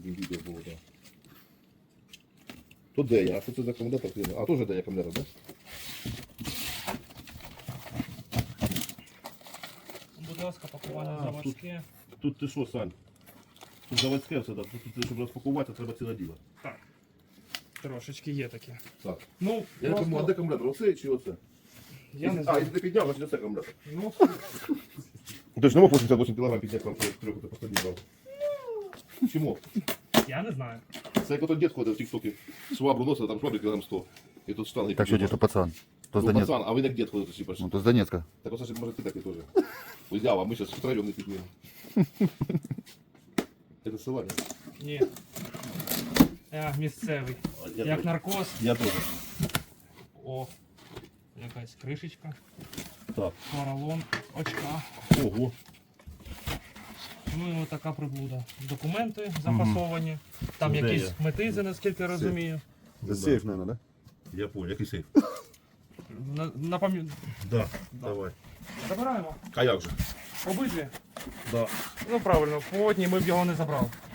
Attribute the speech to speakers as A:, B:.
A: відео було, так. Тут де я? А що це за акумулятор? А, теж де я акумулятор, так?
B: Будь ласка, пакування
A: А,
B: заводське.
A: Тут ти що, Сань? Тут заводське все, так. Тут, щоб розпакувати, треба ціле діло.
B: Так. Трошечки є таке.
A: Так.
B: Ну,
A: Я не пойму, а де акумулятор? Оцей чи оце?
B: я не
A: А,
B: знаю.
A: якщо ти підняв, значить оце акумулятор.
B: Ну,
A: Ти ж не мог 88 кг підняти вам трьох, ти просто брав. Чому?
B: я не знаю.
A: Це як ото дід ходив в тік-токі, швабру носив, там швабрі кілограм 100. І тут штанги.
C: Так что где-то пацан. То с
A: Ну,
C: Донецка.
A: пацан, а ви як дід ходите, типа.
C: Ну, то с Донецка.
A: Так оце ж може ти такий теж. Взяв, а ми зараз втроєм не піднімемо. Це села, ні?
B: Ні. Я місцевий. Як наркоз.
A: Я теж.
B: О, якась кришечка.
A: Так.
B: Поролон, очка.
A: Ого.
B: Ну і отака приблуда. Документи запасовані. Там
A: Це де
B: якісь метизи, наскільки я розумію.
C: Это сейф, наверное,
A: Я понял, який сейф.
B: Напам'ятаю.
A: Да, давай.
B: Забираємо.
A: А як же?
B: Обидві.
A: Да.
B: Ну правильно, по одній ми б його не забрали.